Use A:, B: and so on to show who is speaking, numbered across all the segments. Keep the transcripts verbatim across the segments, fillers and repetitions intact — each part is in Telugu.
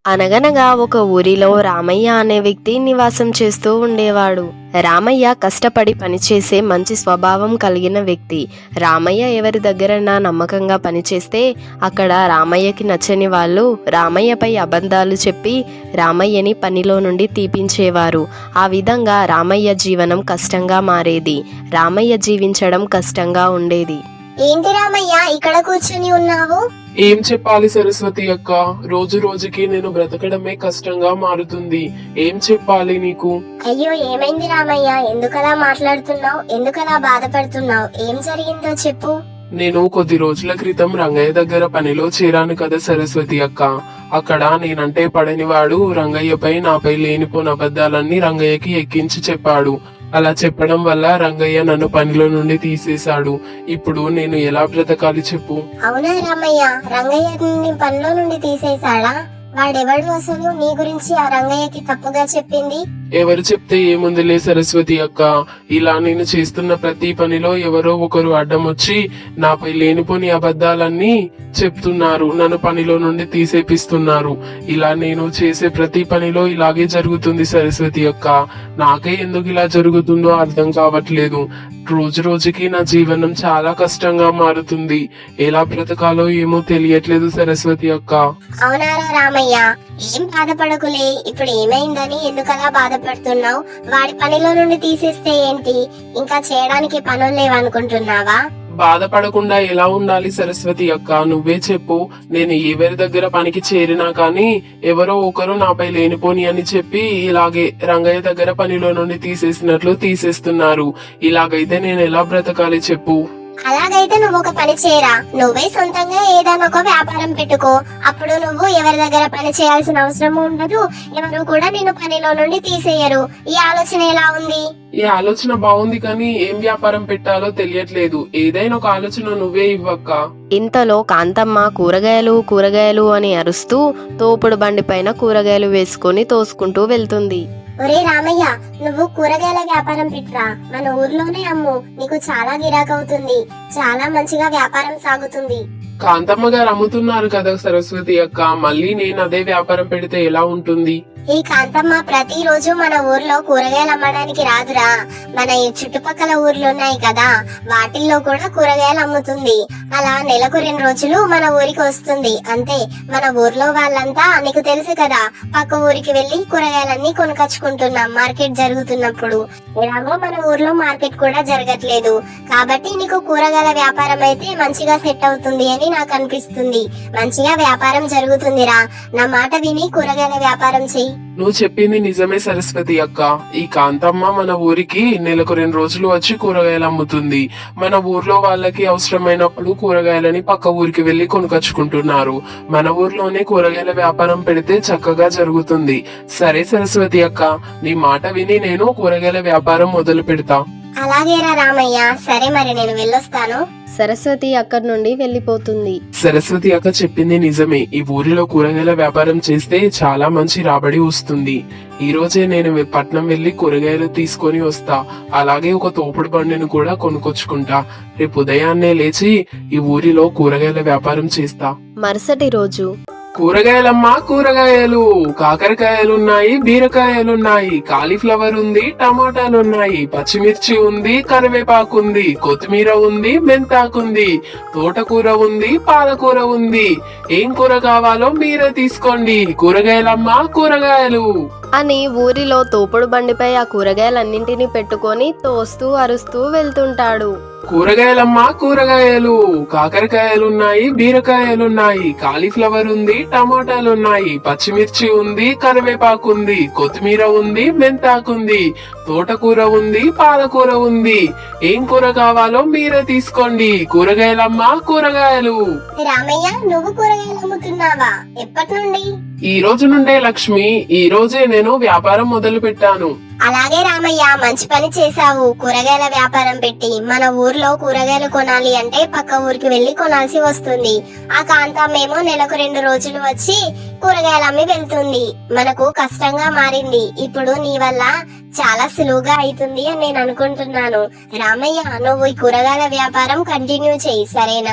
A: అనగనగా ఒక ఊరిలో రామయ్య అనే వ్యక్తి నివాసం చేస్తూ ఉండేవాడు. రామయ్య కష్టపడి పనిచేసే మంచి స్వభావం కలిగిన వ్యక్తి. రామయ్య ఎవరి దగ్గరైనా నమ్మకంగా పనిచేస్తే అక్కడ రామయ్యకి నచ్చని వాళ్ళు రామయ్యపై అబద్ధాలు చెప్పి రామయ్యని పనిలో నుండి తీపించేవారు. ఆ విధంగా రామయ్య జీవనం కష్టంగా మారేది. రామయ్య జీవించడం కష్టంగా ఉండేది.
B: ఏంటి రామయ్య ఇక్కడ కూర్చుని ఉన్నావు?
C: ఏం చెప్పాలి సరస్వతి అక్క, రోజు రోజుకి నేను బ్రతకడమే కష్టంగా మారుతుంది. ఏం చెప్పాలి నీకు?
B: అయ్యో ఏమైంది రామయ్య? ఎందుకలా మాట్లాడుతున్నావు? ఎందుకలా బాధపడుతున్నావు? ఏం జరిగిందో చెప్పు.
C: నేను కొద్ది రోజుల క్రితం రంగయ్య దగ్గర పనిలో చేరాను కదా సరస్వతి అక్క. అక్కడ నేనంటే పడని వాడు రంగయ్యపై నాపై లేనిపోని అబద్ధాలన్నీ రంగయ్యకి ఎక్కించి చెప్పాడు. అలా చెప్పడం వల్ల రంగయ్య నన్ను పనిలో నుండి తీసేశాడు. ఇప్పుడు నేను ఎలా బ్రతకాలి చెప్పు?
B: అవునా రామయ్య, రంగయ్య పనిలో నుండి తీసేశాడా? వాడెవడు అసలు నీ గురించి ఆ రంగయ్యకి తప్పుగా చెప్పింది?
C: ఎవరు చెప్తే ఏముందిలే సరస్వతి అక్క, ఇలా నేను చేస్తున్న ప్రతి పనిలో ఎవరో ఒకరు అడ్డం వచ్చి నాపై లేనిపోని అబద్ధాలన్నీ చెప్తున్నారు. నన్ను పనిలో నుండి తీసేపిస్తున్నారు. ఇలా నేను చేసే ప్రతి పనిలో ఇలాగే జరుగుతుంది సరస్వతి అక్క. నాకే ఎందుకు ఇలా జరుగుతుందో అర్థం కావట్లేదు. రోజు రోజుకి నా జీవనం చాలా కష్టంగా మారుతుంది. ఎలా బ్రతకాలో ఏమో తెలియట్లేదు సరస్వతి అక్క.
B: అవునారా రామయ్య, ఏం బాధపడకులే. ఇప్పుడు ఏమైందని ఎందుకలా బాధపడుతున్నావు? వాడి పనిలో నుండి తీసేస్తే ఏంటి, ఇంకా చేయడానికి పనులు లేవనుకుంటున్నావా?
C: బాధపడకుండా ఎలా ఉండాలి సరస్వతి అక్క, నువ్వే చెప్పు. నేను ఎవరి దగ్గర పనికి చేరినా కానీ ఎవరో ఒకరు నాపై లేనిపోని అని చెప్పి ఇలాగే రంగయ్య దగ్గర పనిలో నుండి తీసేసినట్లు తీసేస్తున్నారు. ఇలాగైతే నేను ఎలా బ్రతకాలి చెప్పు?
B: అలాగైతే నువ్వు ఒక పని చేయరా, నువ్వే సొంతంగా ఏదైనా ఒక వ్యాపారం పెట్టుకో. అప్పుడు నువ్వు ఎవరి దగ్గర పని చేయాల్సిన అవసరం ఉండదు, ఎవరు కూడా నిన్ను పనిలో నుండి తీసేయరు. ఈ ఆలోచన ఎలా ఉంది?
C: ఈ ఆలోచన బాగుంది, కానీ ఏం వ్యాపారం పెట్టాలో తెలియట్లేదు. ఏదైనా ఒక ఆలోచన నువ్వే ఇవ్వక్క.
A: ఇంతలో కాంతమ్మ కూరగాయలు కూరగాయలు అని అరుస్తూ తోపుడు బండి పైన కూరగాయలు వేసుకుని తోసుకుంటూ వెళ్తుంది.
B: ఒరే రామయ్య, నువ్వు కూరగాయల వ్యాపారం పెట్టురా. మన ఊర్లోనే అమ్ము, నీకు చాలా గిరాకవుతుంది. చాలా మంచిగా వ్యాపారం సాగుతుంది.
C: కాంతమ్మ గారు అమ్ముతున్నారు కదా సరస్వతి అక్క, మళ్ళీ నేను అదే వ్యాపారం పెడితే ఎలా ఉంటుంది?
B: ఈ కాంతమ్మ ప్రతి రోజు మన ఊర్లో కూరగాయలు అమ్మడానికి రాదురా. మన ఈ చుట్టుపక్కల ఊర్లు ఉన్నాయి కదా, వాటిల్లో కూడా కూరగాయలు అమ్ముతుంది. అలా నెలకు రెండు రోజులు మన ఊరికి వస్తుంది అంతే. మన ఊర్లో వాళ్ళంతా నీకు తెలుసు కదా, పక్క ఊరికి వెళ్లి కూరగాయలన్నీ కొనుకొచ్చుకుంటున్నాం మార్కెట్ జరుగుతున్నప్పుడు. ఎలాగో మన ఊర్లో మార్కెట్ కూడా జరగట్లేదు కాబట్టి నీకు కూరగాయల వ్యాపారం అయితే మంచిగా సెట్ అవుతుంది అని నాకు అనిపిస్తుంది. మంచిగా వ్యాపారం జరుగుతుందిరా. నా మాట విని కూరగాయల వ్యాపారం చెయ్యి.
C: నువ్వు చెప్పింది నిజమే సరస్వతి అక్క. ఈ కాంతమ్మ మన ఊరికి నెలకు రెండు రోజులు వచ్చి కూరగాయలు అమ్ముతుంది. మన ఊర్లో వాళ్ళకి అవసరమైనప్పుడు కూరగాయలని పక్క ఊరికి వెళ్లి కొనుకొచ్చుకుంటున్నారు. మన ఊర్లోనే కూరగాయల వ్యాపారం పెడితే చక్కగా జరుగుతుంది. సరే సరస్వతి అక్క, నీ మాట విని నేను కూరగాయల వ్యాపారం మొదలు పెడతా.
B: అలాగేరా రామయ్య, సరే మరి నేను వెళ్ళొస్తాను.
A: సరస్వతి అక్కడి నుండి వెళ్లిపోతుంది.
C: సరస్వతి అక్క చెప్పింది నిజమే. ఈ ఊరిలో కూరగాయల వ్యాపారం చేస్తే చాలా మంచి రాబడి వస్తుంది. ఈ రోజే నేను పట్నం వెళ్లి కూరగాయలు తీసుకొని వస్తా. అలాగే ఒక తోపుడు బండిని కూడా కొనుక్కొచ్చుకుంటా. రేపు ఉదయాన్నే లేచి ఈ ఊరిలో కూరగాయల వ్యాపారం చేస్తా.
A: మరుసటి రోజు
C: కూరగాయలమ్మా కూరగాయలు, కాకరకాయలున్నాయి, బీరకాయలున్నాయి, కాలీఫ్లవర్ ఉంది, టమాటాలున్నాయి, పచ్చిమిర్చి ఉంది, కరివేపాకు ఉంది, కొత్తిమీర ఉంది, మెంతాకుంది, తోటకూర ఉంది, పాలకూర ఉంది. ఏం కూర కావాలో మీరే తీసుకోండి. కూరగాయలమ్మా కూరగాయలు
A: అని ఊరిలో తోపుడు బండిపై ఆ కూరగాయలన్నింటినీ పెట్టుకొని తోస్తూ అరుస్తూ వెళ్తుంటాడు.
C: కూరగాయలమ్మా కూరగాయలు, కాకరకాయలున్నాయి, బీరకాయలున్నాయి, కాలీఫ్లవర్ ఉంది, టమాటాలున్నాయి, పచ్చిమిర్చి ఉంది, కరివేపాకు ఉంది, కొత్తిమీర ఉంది, మెంతాకుంది, తోటకూర ఉంది, పాలకూర ఉంది. ఏం కూర కావాలో మీరే తీసుకోండి. కూరగాయలమ్మా కూరగాయలు.
B: రామయ్య, నువ్వు కూరగాయలు అమ్ముతున్నావా? ఎప్పటి నుండి?
C: ఈ రోజు నుండే లక్ష్మి. ఈ రోజే నేను వ్యాపారం మొదలు పెట్టాను.
B: అలాగే రామయ్య, మంచి పని చేశావు. కూరగాయల వ్యాపారం పెట్టి మన ఊర్లో కూరగాయలు కొనాలి అంటే పక్క ఊరికి వెళ్లి కొనాల్సి వస్తుంది. ఆ కాంతమ్మేమో నెలకు రెండు రోజులు వచ్చి కూరగాయలు అమ్మి వెళ్తుంది. మనకు కష్టంగా మారింది. ఇప్పుడు నీ వల్ల చాలా సులువుగా అవుతుంది అని నేను అనుకుంటున్నాను. రామయ్య, నువ్వు ఈ కూరగాయల వ్యాపారం కంటిన్యూ చెయ్యి, సరేనా?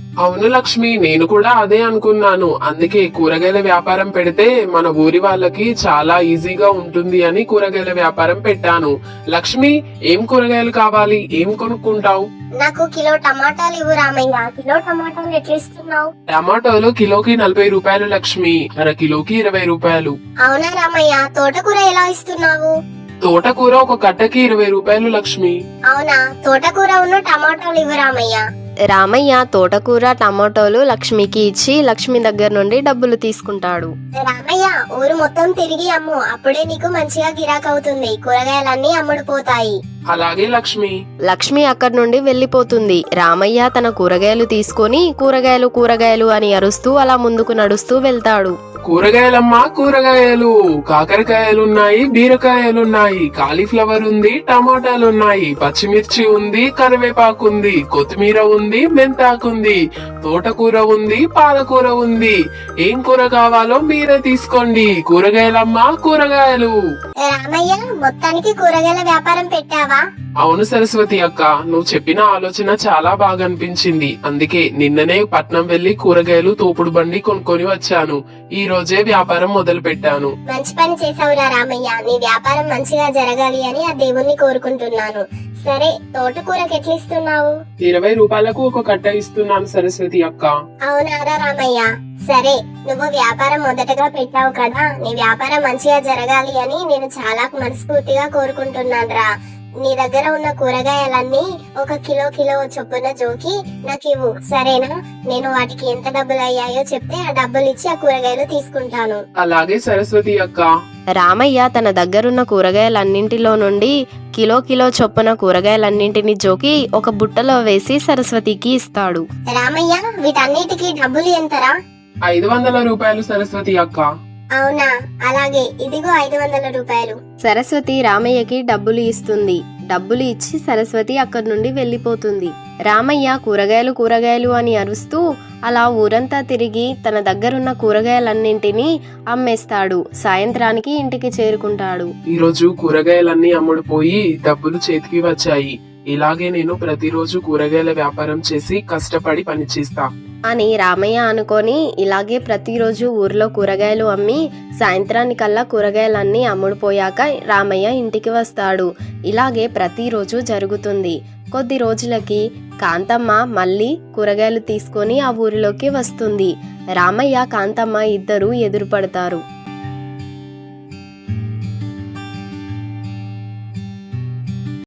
C: అవును లక్ష్మి, నేను కూడా అదే అనుకున్నాను. అందుకే కూరగాయల వ్యాపారం పెడితే మన ఊరి వాళ్ళకి చాలా ఈజీగా ఉంటుంది అని కూరగాయల వ్యాపారం పెట్టాను. లక్ష్మి, ఏం కూరగాయలు కావాలి? ఏం కొనుక్కుంటావు?
B: నాకు కిలో టమాటాలు ఇవ్వు రామయ్య. కిలో టమాటాలు ఎట్లా ఇస్తున్నావు?
C: టమాటోలు కిలోకి నలభై రూపాయలు లక్ష్మి, అర కిలోకి ఇరవై రూపాయలు.
B: అవునా రామయ్య, తోటకూర ఎలా ఇస్తున్నావు?
C: తోటకూర ఒక కట్టకి ఇరవై రూపాయలు లక్ష్మి.
B: అవునా, తోటకూర ఉన్న టమాటాలు ఇవ్వు రామయ్య.
A: రామయ్య తోటకూర టమాటోలు లక్ష్మికి ఇచ్చి లక్ష్మి దగ్గర నుండి డబ్బులు తీసుకుంటాడు.
B: రామయ్య, ఊరు మొత్తం తిరిగి అమ్ము, అప్పుడే నీకు మంచిగా గిరాక్ అవుతుంది. కూరగాయలన్నీ అమ్ముడుపోతాయి.
C: అలాగే లక్ష్మి.
A: లక్ష్మి అక్కడి నుండి వెళ్లిపోతుంది. రామయ్య తన కూరగాయలు తీసుకొని కూరగాయలు కూరగాయలు అని అరుస్తూ అలా ముందుకు నడుస్తూ వెళ్తాడు.
C: కూరగాయలమ్మా కూరగాయలు, కాకరకాయలున్నాయి, బీరకాయలున్నాయి, కాలీఫ్లవర్ ఉంది, టమాటాలున్నాయి, పచ్చిమిర్చి ఉంది, కరివేపాకు ఉంది, కొత్తిమీర ఉంది, మెంతాకుంది, తోటకూర ఉంది, పాలకూర ఉంది. ఏం కూర కావాలో మీరే తీసుకోండి. కూరగాయలమ్మా కూరగాయలు.
B: రామయ్య, మొత్తానికి కూరగాయల వ్యాపారం పెట్టావా?
C: అవును సరస్వతి అక్క, నువ్వు చెప్పిన ఆలోచన చాలా బాగా అనిపించింది. అందుకే నిన్ననే పట్నం వెళ్లి కూరగాయలు తోపుడు బండి కొనుక్కొని వచ్చాను. ఈ రోజే వ్యాపారం మొదలు పెట్టాను.
B: మంచి పని చేసావురా రామయ్య. నీ వ్యాపారం మంచిగా జరగాలి అని ఆ దేవుణ్ణి కోరుకుంటున్నాను. సరే, తోటకూరకి ఎట్లా ఇస్తున్నావు?
C: ఇరవై రూపాయలకు ఒక కట్ట ఇస్తున్నాను సరస్వతి అక్క.
B: అవునారా రామయ్య? సరే, నువ్వు వ్యాపారం మొదటగా పెట్టావు కదా, నీ వ్యాపారం మంచిగా జరగాలి అని నేను చాలా మనస్ఫూర్తిగా కోరుకుంటున్నాను రా. నీ దగ్గర ఉన్న కూరగాయలన్నీ ఒక కిలో కిలో చొప్పున జోకి నాకు ఇవ్వు, సరేనా? నేను వాటికి ఎంత డబ్బులు అయ్యాయో చెప్తే ఆ డబ్బులు ఇచ్చి ఆ కూరగాయలు తీసుకుంటాను.
C: అలాగే సరస్వతి అక్క.
A: రామయ్య తన దగ్గరున్న కూరగాయలన్నింటిలో నుండి కిలో కిలో చొప్పున కూరగాయలన్నింటినీ జోకి ఒక బుట్టలో వేసి సరస్వతికి ఇస్తాడు.
B: రామయ్య, వీటన్నిటికీ డబ్బులు ఎంతరా?
C: ఐదు వందల రూపాయలు సరస్వతి అక్క.
B: అవునా, అలాగే, ఇదిగో ఐదు వందల రూపాయలు.
A: సరస్వతి రామయ్యకి డబ్బులు ఇస్తుంది. డబ్బులు ఇచ్చి సరస్వతి అక్కడి నుండి వెళ్లిపోతుంది. రామయ్య కూరగాయలు కూరగాయలు అని అరుస్తూ అలా ఊరంతా తిరిగి తన దగ్గరున్న కూరగాయలన్నింటినీ అమ్మేస్తాడు. సాయంత్రానికి ఇంటికి చేరుకుంటాడు.
C: ఈ రోజు కూరగాయలన్నీ అమ్ముడుపోయి డబ్బులు చేతికి వచ్చాయి. ఇలాగే నేను ప్రతిరోజు కూరగాయల వ్యాపారం చేసి కష్టపడి పనిచేస్తా
A: అని రామయ్య అనుకొని ఇలాగే ప్రతిరోజు ఊర్లో కూరగాయలు అమ్మి సాయంత్రానికల్లా కూరగాయలన్నీ అమ్ముడుపోయాక రామయ్య ఇంటికి వస్తాడు. ఇలాగే ప్రతిరోజు జరుగుతుంది. కొద్ది రోజులకి కాంతమ్మ మళ్ళీ కూరగాయలు తీసుకొని ఆ ఊరిలోకి వస్తుంది. రామయ్య కాంతమ్మ ఇద్దరూ ఎదురుపడతారు.